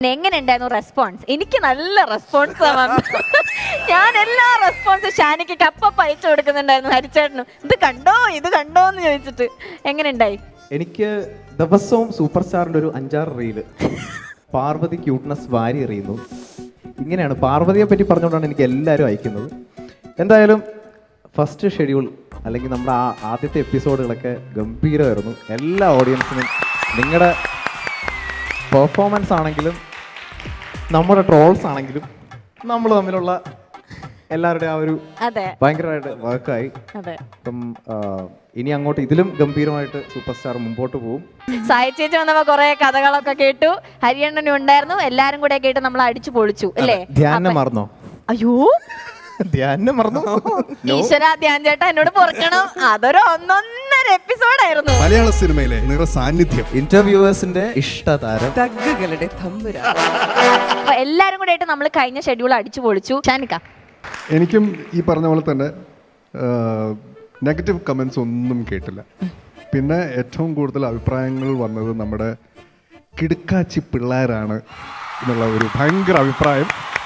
എങ്ങനെ ഉണ്ടായിരുന്നു റെസ്പോൺസ്? എനിക്ക് നല്ല റെസ്പോൺസ് ഞാൻ എല്ലാ റെസ്പോൺസും ഷാനിക്ക് കപ്പ അയച്ചു കൊടുക്കുന്നുണ്ടായിരുന്നു ഹരിച്ചേട്ടനും. ഇത് കണ്ടോ എന്ന് ചോദിച്ചിട്ട് എങ്ങനെ ഉണ്ടായി? എനിക്ക് ദിവസവും സൂപ്പർ സ്റ്റാറിന്റെ ഒരു 5-6 റീല് പാർവതി ക്യൂട്ട്നെസ് വാരി എറിയുന്നു. ഇങ്ങനെയാണ് പാർവതിയെ പറ്റി പറഞ്ഞുകൊണ്ടാണ് എനിക്ക് എല്ലാവരും അയക്കുന്നത്. എന്തായാലും ഫസ്റ്റ് ഷെഡ്യൂൾ അല്ലെങ്കിൽ നമ്മുടെ ആദ്യത്തെ എപ്പിസോഡുകളൊക്കെ ഗംഭീരമായിരുന്നു. എല്ലാ ഓഡിയൻസിനും നിങ്ങളുടെ പെർഫോമൻസ് ആണെങ്കിലും നമ്മുടെ ട്രോൾസ് ആണെങ്കിലും നമ്മൾ തമ്മിലുള്ള എല്ലാവരുടെയും ആ ഒരു ഭയങ്കരമായിട്ട് വർക്കായി. അപ്പം ഇനി അങ്ങോട്ട് ഇതിലും ഗംഭീരമായിട്ട് സൂപ്പർ സ്റ്റാർ മുമ്പോട്ട് പോകും. സായി ചേച്ചി വന്നപ്പോ കുറെ കഥകളൊക്കെ കേട്ടു, ഹരിയണ്ണനും ഉണ്ടായിരുന്നു, എല്ലാരും കൂടെ കേട്ട് നമ്മൾ അടിച്ചു പൊളിച്ചു അല്ലേ? ധ്യാനം മറന്നോ? അയ്യോ ധ്യാനം മറന്നോ? ഈശ്വര, ധ്യാൻ ചേട്ടാ എന്നോട് പൊറുക്കണം. അതൊരു 1.5 എപ്പിസോഡായിരുന്നു. മലയാള സിനിമയിലെ നിറ സാന്നിധ്യം, ഇന്റർവ്യൂവേഴ്സിന്റെ ഇഷ്ടതാരം, തഗ്ഗുകളുടെ തമ്പുരാൻ. അപ്പൊ എല്ലാരും കൂടെ ആയിട്ട് നമ്മൾ കഴിഞ്ഞ ഷെഡ്യൂൾ അടിച്ചു പൊളിച്ചു. ഷാനിക്ക, എനിക്കും ഈ പറഞ്ഞ പോലെ തന്നെ നെഗറ്റീവ് കമൻസ് ഒന്നും കേട്ടില്ല. പിന്നെ ഏറ്റവും കൂടുതൽ അഭിപ്രായങ്ങൾ വന്നത് നമ്മുടെ കിടുക്കാച്ചി പിള്ളേരാണ് എന്നുള്ള ഒരു ഭയങ്കര അഭിപ്രായം.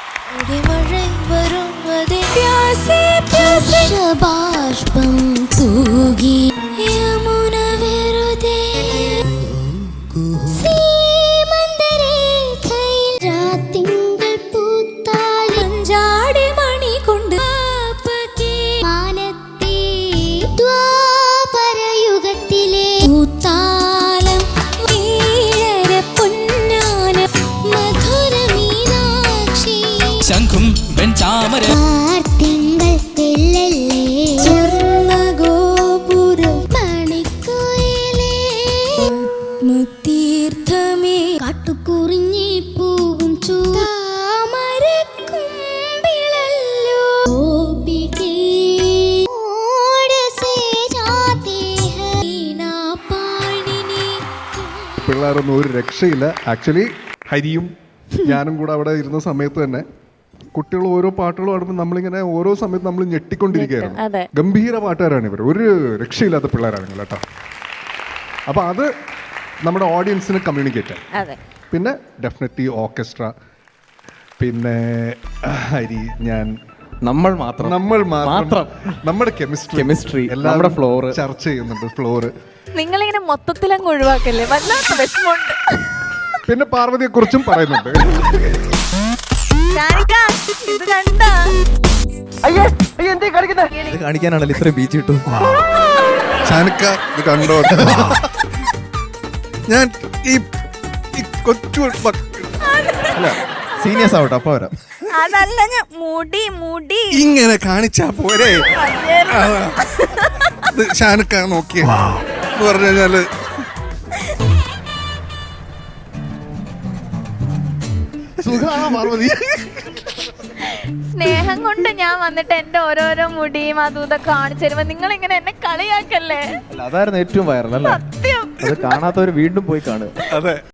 ശംഖും വെൺചാമര തീർത്ഥമേ കാട്ടുകുറിഞ്ഞി പൂവും പിള്ളേരൊന്നും ഒരു രക്ഷയില്ല. ആക്ച്വലി ഹരിയും ഞാനും കൂടെ അവിടെ ഇരുന്ന സമയത്ത് തന്നെ കുട്ടികൾ ഓരോ പാട്ടുകൾ പാടുമ്പോൾ നമ്മളിങ്ങനെ ഓരോ സമയത്ത് നമ്മൾ ഞെട്ടിക്കൊണ്ടിരിക്കുകയായിരുന്നു. ഗംഭീര പാട്ടുകാരാണ് ഇവർ, ഒരു രക്ഷയില്ലാത്ത പിള്ളേരാണ് കേട്ടോ. അപ്പോൾ അത് നമ്മുടെ ഓഡിയൻസിന് കമ്മ്യൂണിക്കേറ്റ്. പിന്നെ ഡെഫിനറ്റ്ലി ഓർക്കസ്ട്ര, പിന്നെ ഹരി, ഞാൻ, നമ്മൾ മാത്രം നമ്മുടെ കെമിസ്ട്രി നമ്മുടെ ഫ്ലോർ ചർച്ച ചെയ്യുന്നുണ്ട്. ഫ്ലോറ് നിങ്ങളിങ്ങനെ മൊത്തത്തിലങ്ങ് ഒഴിവാക്കല്ലേ, വല്ലാത്ത വിഷമമുണ്ട്. പിന്നെ പാർവതിയെ കുറിച്ചും പറയുന്നുണ്ട്. ഇത് കാണിക്കാനാണല്ലോ ഇത്രയും ബീച്ച് കിട്ടും. ഷാനിക്ക ഇത് കണ്ടോ? ഞാൻ ഈ കൊച്ചു സീനിയേഴ്സ് ആവട്ടെ, അപ്പൊ വരാം. അതല്ല, ഞാൻ മുടി ഇങ്ങനെ കാണിച്ചാ പോരെ. ഷാനിക്ക നോക്കിയ എന്ന് പറഞ്ഞു കഴിഞ്ഞാല് പാർവതി സ്നേഹം കൊണ്ട് ഞാൻ വന്നിട്ട് എന്റെ ഓരോരോ മുടിയും അതും ഇതൊക്കെ കാണിച്ചു തരുമ്പോ നിങ്ങൾ ഇങ്ങനെ എന്നെ കളിയാക്കല്ലേ. അതായിരുന്നു ഏറ്റവും വൈറൽ അല്ലേ? സത്യം, അത് കാണാത്തവര് വീണ്ടും പോയി കാണുക. അതെ.